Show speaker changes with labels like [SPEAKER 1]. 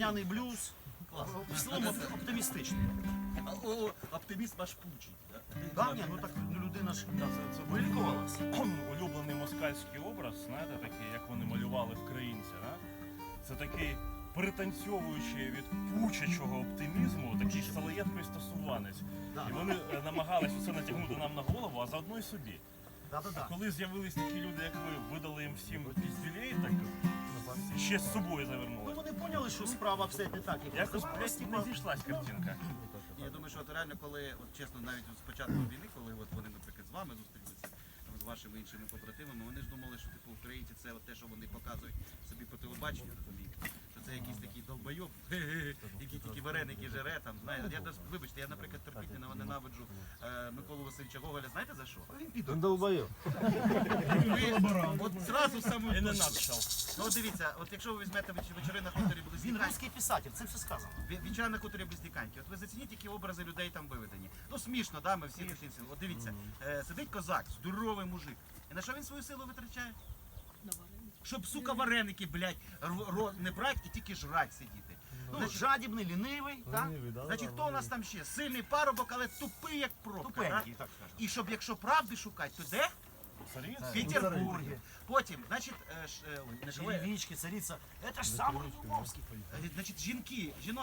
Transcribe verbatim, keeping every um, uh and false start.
[SPEAKER 1] весняний блюз. Клас. В цілому оп- оптимістичний.
[SPEAKER 2] А, о, оптиміст ваш Пучий. да?
[SPEAKER 1] Да, ні, ну так ну, людина ж да, це, це вилікувалася.
[SPEAKER 3] Улюблений москальський образ, знаєте, такий, як вони малювали вкраїнці, да? Це такий пританцьовуючий від пучачого оптимізму, такий салаєт пристосуванець. І вони е, намагались усе натягнути нам на голову, а заодно й собі.
[SPEAKER 1] Да-да-да.
[SPEAKER 3] Коли з'явились такі люди, як ви, видали їм всім піздюлей, так ще з собою
[SPEAKER 1] Ну,
[SPEAKER 3] завернули.
[SPEAKER 1] вони поняли, що справа все не так, як
[SPEAKER 3] Якось
[SPEAKER 1] блядь,
[SPEAKER 3] просто
[SPEAKER 1] типа,
[SPEAKER 3] не зійшлась картинка.
[SPEAKER 2] Я думаю, що от реально, коли, от чесно, навіть от з початку війни, коли от вони, наприклад, з вами зустрілися, там, з вашими іншими побратимами, вони ж думали, що типу українці це от те, що вони показують собі по телебаченню, розумієте? Що це якийсь такий долбойоб, який тільки вареники жере, там, знаєте. Я даже, вибачте, я, наприклад, терпіть не ненавиджу е, Миколу Васильовича Гоголя, знаєте за що?
[SPEAKER 1] Він піде.
[SPEAKER 4] Долбоєб.
[SPEAKER 2] Ви, от зразу саму
[SPEAKER 3] І не надшал.
[SPEAKER 2] Ну от дивіться, от якщо ви візьмете веч- вечори на хуторі
[SPEAKER 1] Він
[SPEAKER 2] Близнюка,
[SPEAKER 1] русський писатель, це все сказано.
[SPEAKER 2] Ві- Вечора на хуторі Близнюканьки. От ви зацініть, які образи людей там виведені. Ну смішно, да, ми всі душинці. От дивіться, е, сидить козак, здоровий мужик. І на що він свою силу витрачає? Щоб, сука, вареники, блядь, ро- ро- не брати і тільки жрать сидіти.
[SPEAKER 1] Ну,
[SPEAKER 2] Значить,
[SPEAKER 1] жадібний, лінивий, так?
[SPEAKER 4] Лінивий, да,
[SPEAKER 2] значить,
[SPEAKER 4] да,
[SPEAKER 2] хто у нас там ще? Сильний парубок, але тупий, як пробка.
[SPEAKER 1] Тупенький,
[SPEAKER 2] да?
[SPEAKER 1] так скажемо.
[SPEAKER 2] І щоб, якщо правди шукати, то де? В Петербургі. Потім, значить, е, ш- е, ой, не Шале-
[SPEAKER 1] Черевички, цариця. Це ж саме Львовський.
[SPEAKER 2] е, значить, жінки, жінок.